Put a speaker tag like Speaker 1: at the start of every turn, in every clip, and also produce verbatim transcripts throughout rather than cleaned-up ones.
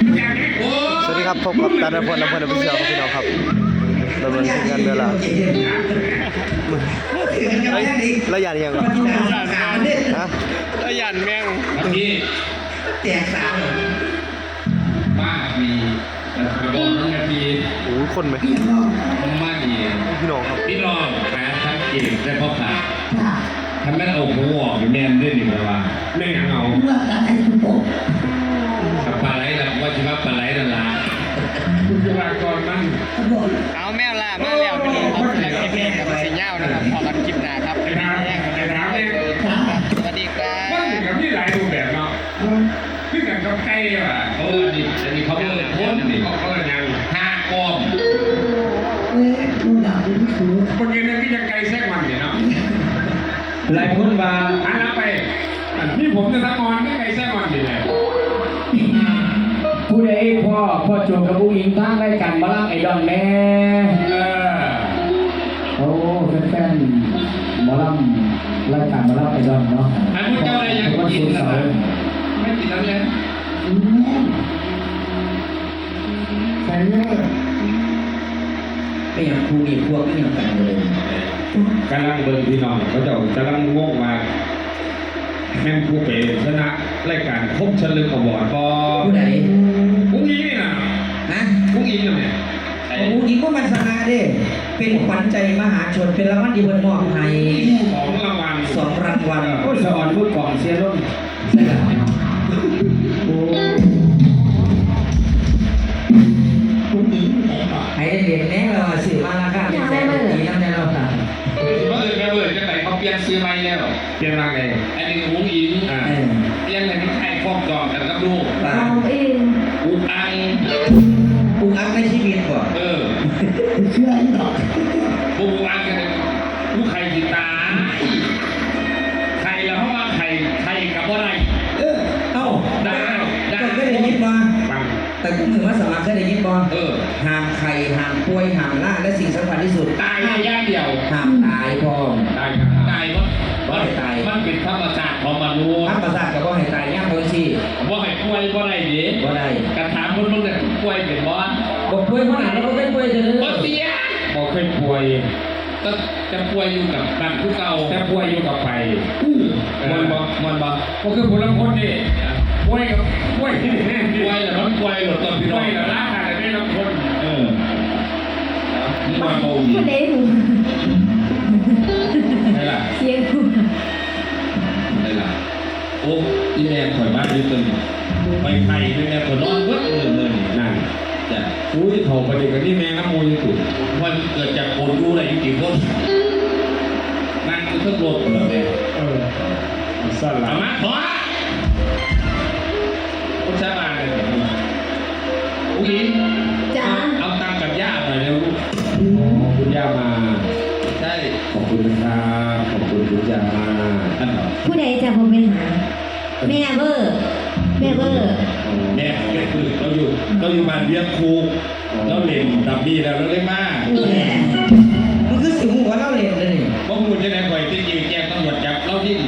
Speaker 1: สวัสดีครับพบกับตาลพลลำเพลินอภิเษกพี่น้องครับดำเนินงานเวลาระยะยังก่อนฮะระยะแมง
Speaker 2: พี่
Speaker 3: แตกสาม
Speaker 2: บ้ามีแต่ไปบอกน้องนาที
Speaker 1: โอ้คนไหม
Speaker 2: มาดี
Speaker 1: พี่น้องครับ
Speaker 2: พี่น้องหาทั้งเก่งได้พ่อขาทำแม่เอาหัวออกแม่ได้หนึ่งเวลาแม่ยังเอา
Speaker 3: เมื่อการไอ้คุณผม
Speaker 2: กับปลาไหลนะว่าจะว่าปลาไหลนั่นละคุณจะมาก่อนมัน
Speaker 4: เอาแมวล่ามาแล้วพี่น้องครับแล้วคลิปนี้กับสีเงานะครับพอกันคลิปหน้าครับ
Speaker 2: ไอ้น้ำไอ้น้ำเนี่ย
Speaker 4: สวัสดีครับ
Speaker 2: มันถึงกับที่หลายรูปแบบเนาะขึ้นกับกาแฟอ่ะเออดิอันนี้เขาเปิดพ้นนี่เขาเปิดยังห้ากอม
Speaker 3: เอ้ยดูหนังดูไม่ถูก
Speaker 2: คนยืนนั่นที่จะไกลแทรกมันเนี่ยเนาะหลายคนมาอันนั้นไปนี่ผมจะทำงานไม่ไกลแทรกมันอยู่เลย
Speaker 5: ผู้ใดพ่อพ่อโจกับผู้หญิงตั้งรายการมาล่างไอดอนแม่
Speaker 2: เออ
Speaker 5: โอ้แฟนๆมาล่างรายการมาล่างไอดอนเนาะ
Speaker 2: อันพวกเจ้าอะไรยังกินนะไม่กินแล้วเนี่ย
Speaker 3: ใช่เลยไม่อย่างครูอีกพวกไม่อย่างกันเลย
Speaker 2: กำลังเบิ่งพี่น้องเขาจะกำลังงงมาแม่งผู้เป็นชนะรายการพบเฉลิมขบวนปอ
Speaker 3: ผู้ใด
Speaker 2: ผู้หญิงนี่นะ
Speaker 3: ฮะ
Speaker 2: ผู้หญิงเนี่ย
Speaker 3: ผู้หญิงก็มันชนะดิเป็นขวัญใจมหาชนเป็นรางวัลดีบนมอบให้
Speaker 2: สองรางวัล
Speaker 3: สองรางวัล
Speaker 5: โอ้สอนพูดก่อนเสียรุ่น
Speaker 3: ใช่ไหมผู้หญิงให้เด็กแน่เราสื่อมาแล้วค่ะเป็นแสนดีนั่นแน่เราค่ะ
Speaker 2: เมื่อเมื่อเมื่อจะไหนเขาเปลี่ยนซื้อไม่แล้วเปลี่ยนอะไรอันนี้ผู้หญิงอ่าเปลี่ยนอะไรนี่ใครครอบจองกันกับลูก
Speaker 3: เราเอง
Speaker 2: อุกอัง
Speaker 3: อุกอังในชีวิตก่อน
Speaker 2: เออ
Speaker 3: เชื่อหรอ
Speaker 2: อุกอังกันลูกไข่กีตาไข่แล้วเพราะว่าไข่ไข่กับอะไร
Speaker 3: เออเอ้า
Speaker 2: ได้
Speaker 3: ได้ก็ได้ยินมาแต่กูมือมาสมัครได้ยินบ่
Speaker 2: เออ
Speaker 3: ห่างไข่ห่างป่วยห่างล่าและสิ่งสำคัญที่สุด
Speaker 2: ตายแย่เดียว
Speaker 3: ห่างตายพอ
Speaker 2: ตายตายมั้งว่าตายมันเป็นธรรมชาติของมนุษย์
Speaker 3: ธรรมชาติกับว่าให้ตายย่างบางที
Speaker 2: ว่าให้ป่วยว่าอะไรดี
Speaker 3: ว่าอะไร
Speaker 2: กระถางคนมึงเนี่ยป่วยเป็นบ้าน
Speaker 3: บอกป่วยเพราะไหนเราไม่ป่วยเลย
Speaker 2: บ่เสียบอกเคยป่วยก็จะป่วยอยู่กับการผู้เก่าจะป่วยอยู่กับไปมันบ่มันบ่ก็คือคนละคนนี่ป่วยกับป่วยที่แน่ป่วยแล้วมันป่วยหรือตอนพี่น้องป่วยแล้วร่างกายไม่รับคนเออนี่มาโมงี
Speaker 6: ไม่ได้หู
Speaker 2: ไม่ล่ะ
Speaker 6: เสียงหู
Speaker 2: ไม่ล่ะโอ้อีแม่ข่อยมากเลยตึงไปไข่ด้วยแม่ข่อยนอนเวิ้งเลยเลยนั่นจ้ะอุ้ยโถประเด็นกับนี่แม่น้ำมูลอยู่มันเกิดจากคนดูอะไรอยู่กี่คนนั่งคือเครื่องรถเลยเออสั่นละมาขอคุณชามาเลยอุ้ย
Speaker 6: จ้า
Speaker 2: เอาตังกับย่าหน่อยเร็วลูกคุณย่ามาใช่ขอบคุณนะครับขอบคุณคุณย่ามาอันเหรอ
Speaker 6: ผู้ใดจะผมไปหาแม่เบอร์แม่เบอร์
Speaker 2: แม่คือเราอยู่เราอยู่บ้านเลี้ยงครูเราเล่นดับบี้แล้วเราเล่นมาก
Speaker 3: มันคือสิ่งหัวเราเล่นเลย
Speaker 2: พวกคุณจะไหนปล่อยที่ยิงแจ้งตำรวจจับเราที่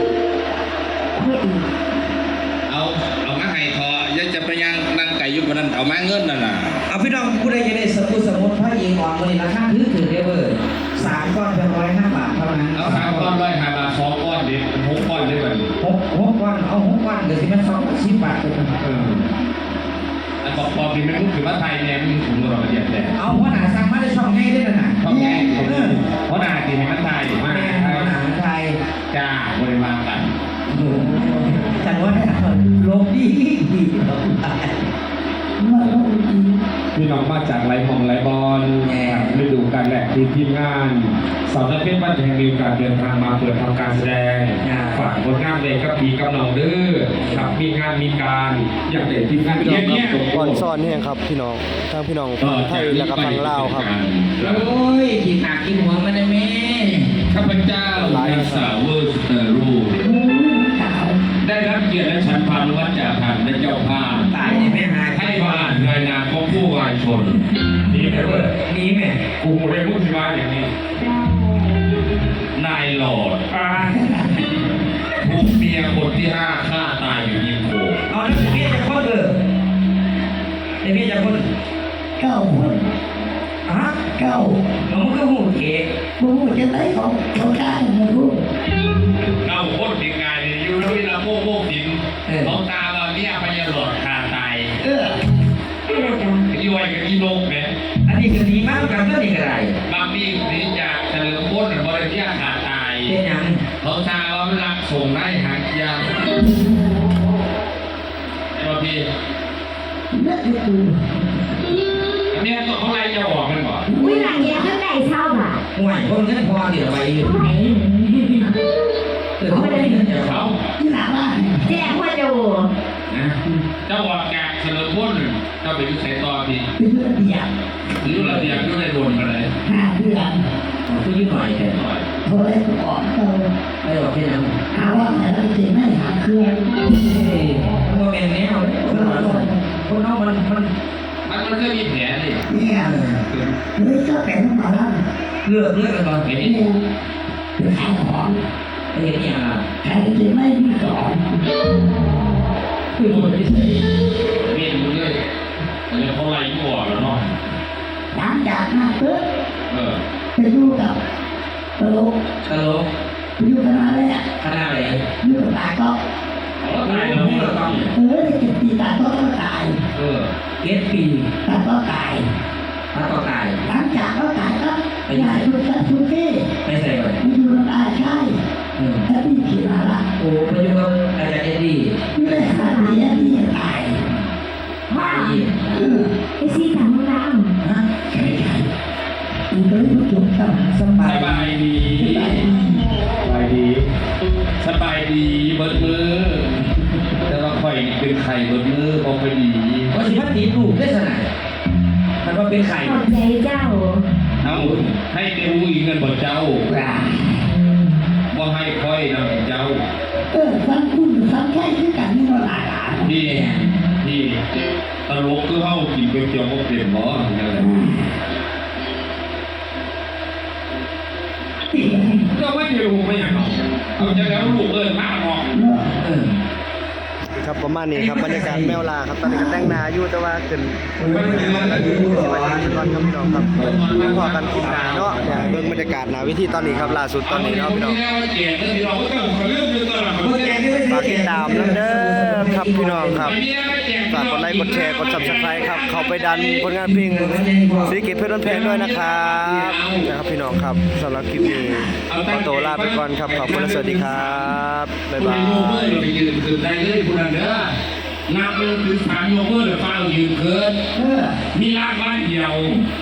Speaker 2: เอาเอามาให้ทอยังจะไปยังนั่งไก่ยุบวันนั้นเอามาเงินนั่นน่ะ
Speaker 3: เอาพี่น้องผู้ใดจะได้สมุดสมุดพระยิงอ่อนวันนี้ราคาถือถือเดเวอร์สามก้อนเป็นร้อยห้าบาทเท่านั้น
Speaker 2: เอาสามก้อนร้อยห้าบาทสองก้อนดิหกก้อนได้ไหม
Speaker 3: หกหกก้อนเอาหกก้อนเดี๋ยวที่มันสองสิบบาทเลยเออ
Speaker 2: อันบอกบอกดิมันรู้สึกว่าไทยเนี่ยมันถุงเราละเอียดเลย
Speaker 3: เอาเพราะหนาสั่งมาได้ช่องง่ายด้วยนะ
Speaker 2: ช่องง่ายเพราะหนาดิมันไทย
Speaker 3: มากเพราะหนาไทย
Speaker 2: จ้าบริวารกัน
Speaker 3: จังว่าโลกดีดี
Speaker 5: พี่น้องมาจากไรมองไรบอลฤดูกาลแรกที่ทีมงานสาวนักเต้นบ้านแห่งมีการเดินทางมาเปิดทำการแสดงฝากผลงานเลยกับพี่กำลังดื้อครับมีงานมีการอย่างเด็ดทีมงาน
Speaker 1: เนี้ยก่อนซ่อนนี่ครับพี่น้องทางพี่น้องไทยและกับฝั่งลาวครับ
Speaker 3: โอ้ยกินหนักกินหัวมันได้ไหม
Speaker 2: ข้าพเจ้านางสาวเวอร์สเตอร์รูได้รับเกียรติและฉันพานุวัฒน์จากทางและเจ้าภาพ
Speaker 3: ตายในแม่หาย
Speaker 2: ให้มาอ่านรายงานของผู้วายชนนี่แม่เว้ย
Speaker 3: นี่แม่
Speaker 2: กูเรียนมุสลิมอย่างนี้นายหลอดถูกเมียคนที่ห้าฆ่าตายอยู่ยิมโค
Speaker 3: เอาแล้วเมียจะข้อเกิดได้เมียจากคน
Speaker 7: เก้าคน
Speaker 3: ฮะ
Speaker 7: เก้า
Speaker 3: น้องก็หูเก๋
Speaker 7: บูจะไหนของเขาได้นะลูก
Speaker 2: เราโคตรถึงไงอยู่ที่เราโม่โม่ถึงของตาเราเนี่ยพยาหลอดคาตาย
Speaker 7: เออ
Speaker 6: อะไรกัน
Speaker 2: อีไว้กับอีโลกเนี่ย
Speaker 3: อันนี้คือดีมากกันก็ดีกระไร
Speaker 2: บางทีนี่จากเฉลิมพลบริเทียขาตาย
Speaker 3: เป็นยัง
Speaker 2: ของตาเราไม่รักส่งได้หางยาวไอ้บางที
Speaker 7: นั่นคือกู
Speaker 2: อันนี้ตัวเขาไล่จะออกมันบ่
Speaker 6: อุ้ยหลังเนี้ยข้างในเช่าอ่ะ
Speaker 3: ห่วยคนเงินพอเดี๋ยวไปอยู่
Speaker 6: ไหน
Speaker 3: เออเขาไม่ได้เงินเดี๋ยวเขา
Speaker 7: ที่หลังบ้าน
Speaker 6: แจ้งพ่อโจ
Speaker 2: นะเจ้าออกจากเฉลิมพลเจ้าไปยุ่งใส่ต่อพี่
Speaker 7: เป็นเรื่องเดียว
Speaker 2: หรือเราเดียวก็ได้โดนกันเลย
Speaker 7: ห้าเดือน
Speaker 3: คือยุ่งหน่อยแค่
Speaker 2: หน่อย
Speaker 7: โทรเลยก่อนเรา
Speaker 3: ไม่บอกแค่นั้น
Speaker 7: หาว่าแต่เราจะไม่หาเครื่อง
Speaker 3: โมเมนต์นี้คนคนน้องมันมัน
Speaker 2: มันมันก็มีแผลเลย
Speaker 7: เนี่ยเลยก็เป็นมาแล้ว
Speaker 3: เลือกเลือกกันก่อน
Speaker 2: เห็น
Speaker 7: เนี่ยเป็นขายของ
Speaker 3: ไอ้เห็นอย่างอ่ะ
Speaker 7: ใครจะไม่มีสอง
Speaker 3: คือคนที่ใส่
Speaker 2: เมียนมึงเลยมันจะเขาไล่กูออกแล้วเนาะ
Speaker 7: หลังจากนั้นปุ๊บ
Speaker 2: เออ
Speaker 7: ไปดูกับตลก
Speaker 3: ตลก
Speaker 7: ไปดูกันมาเลยอ่ะ
Speaker 3: ขนาดไหน
Speaker 7: ดูกับตาก็
Speaker 2: เอาแล้วตายแล้ว
Speaker 3: นี่เราต้อง
Speaker 7: เออจะเก็บปีตาก็ต้องตาย
Speaker 2: เออ
Speaker 3: เก็ตปี
Speaker 7: ตาก็ตาย
Speaker 3: ถ้าต้องตาย
Speaker 7: หลังจากก็ตายก็ไปไหนดูกันทุกที่
Speaker 3: ไม่ใส่ก่อน
Speaker 7: ไปดูน้ำตาใช่
Speaker 3: อืม
Speaker 7: ถ้าพี่ขี่มาละ
Speaker 3: โอ้ไปยุ่งกับอาจารย์เอ็ดดี้
Speaker 7: ไม่ได้หาดีอ่ะพี่ตาย
Speaker 3: ตาย
Speaker 7: เออ
Speaker 6: ไอซีถังน้
Speaker 3: ฮะ
Speaker 7: ใช่ใช่มันก็เลยจบกัน
Speaker 3: สบา
Speaker 2: ส
Speaker 3: ย
Speaker 2: บายดี
Speaker 5: สบายดี
Speaker 2: สบายดีเบิดมือ แต่ว่าข่อยเป็นไข่เบิดมือพอไปดี
Speaker 3: ว่าสิพันตีลูกได้ขนาดมันว่าเป็นไข่
Speaker 6: ำขอบใจเจ้า
Speaker 2: เอาให้เดวูอีกเงินบ่เจ้า
Speaker 7: ว่า
Speaker 2: บ่ให้ค่อยนำเจ้า
Speaker 7: เออฟังคุณฟังแค่ที่กันนี่ก็หลายหลาย
Speaker 2: ที่ที่ตลกคือเฮากินก๋วยเตี๋ยวบ่เป็นบ่จังได๋ก็ไม่ได้รู้ไม่อยากเอาเอาจังแล้วลูกเอิ้นมาออก
Speaker 7: เนาะ
Speaker 3: เออ
Speaker 1: ครับประมาณนี้ครับบรรยากาศแมวลาครับตอนนี้ก็แต่งหนาอยู่แต่ว่าขึ้นสิมาถึงก่อนครับพี่น้องครับพอกันคลิปหนาเนาะเนี่ยเบิ่งบรรยากาศหนาวิธีตอนนี้ครับล่าสุดตอนนี้เนาะพี่น้อง
Speaker 2: แก่ก็พี่น้องก็ต้องเรื่องนึงตลอด
Speaker 1: ฝากติดตามแล้วเด้อครับพี่น้องครับฝากกดไลค์กดแชร์กด Subscribe ครับเข้าไปดันผลงานเพลงศิริกิจเพชรเพลงด้วยนะครับนะครับพี่น้องครับสำหรับคลิปนี้ขอตัวลาไปก่อนครับขอบคุณและสวัสดีครับบ๊ายบาย
Speaker 2: โยเกอร์ไปยืนคือได้เลยคุณอันเด้อนับเป็นคือสามโยเกอร์เดี๋ยวฟ้ายืนเกิน
Speaker 7: เออ
Speaker 2: มีร่างบ้านเดียว